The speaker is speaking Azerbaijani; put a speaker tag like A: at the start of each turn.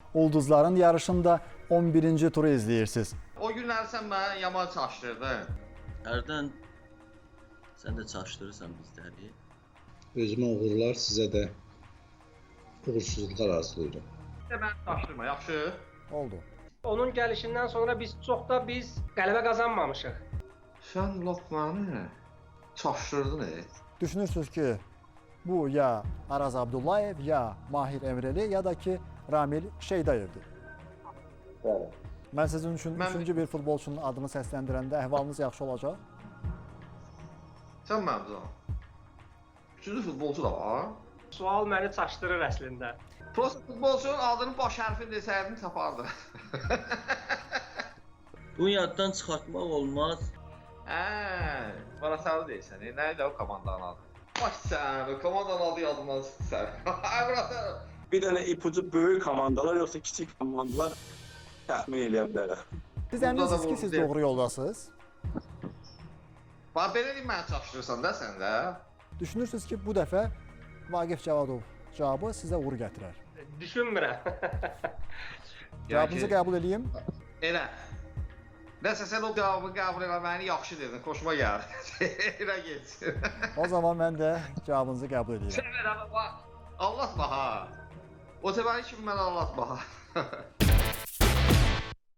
A: Ulduzların yarışında 11-ci turu izləyirsiniz.
B: O günlər sən mənə yaman çaşdırdın.
C: Hərdən sən də çaşdırırsan bizləri.
D: Özümə uğurlar, sizə də uğursuzluqlar arzulayıram.
B: Mən çaşdırma, yaxşı?
A: Oldu.
E: Onun gəlişindən sonra biz qələbə qazanmamışıq.
B: Sən lap məni çaşdırdın.
A: Düşünürsünüz ki, bu ya Araz Abdullayev, ya Mahir Emreli, ya da ki Ramil Şeydayevdir.
D: Bəli.
A: Mən sizin üçün üçüncü bir futbolçunun adını səsləndirəndə əhvalınız yaxşı olacaq.
B: Sən mənim canım. Üçüncü futbolçu da var.
E: Sual məni çaşdırır əslində.
B: Prosta futbolçunun adının baş hərfini desəydin tapardı.
C: Bunu yaddan çıxartmaq olmaz.
B: Bana deyirsən, nə idi o komandanın adı? Bax sən, o komandanın adı yadımdan çıxdı sən.
F: Bir dənə ipucu böyük komandalar yoxsa kiçik komandalar təxmin eləyə bilərəm.
A: Siz əminsiniz ki, siz doğru yoldasınız.
B: Bax belə deyim, məni çaşdırırsan da sən də.
A: Düşünürsünüz ki, bu dəfə Vaqif Cavadov cavabı sizə uğur gətirər.
E: Düşünmürəm.
A: Cavabınızı qəbul edeyim.
B: Elə. Nəsə sən o cavabı qəbul eləməni yaxşı dedin, xoşuma gəldi. Elə geçsin.
A: O zaman mən də cavabınızı qəbul edeyim.
B: Sən mənə bax, anlatma ha. O təbəri kimi mənə anlatma ha.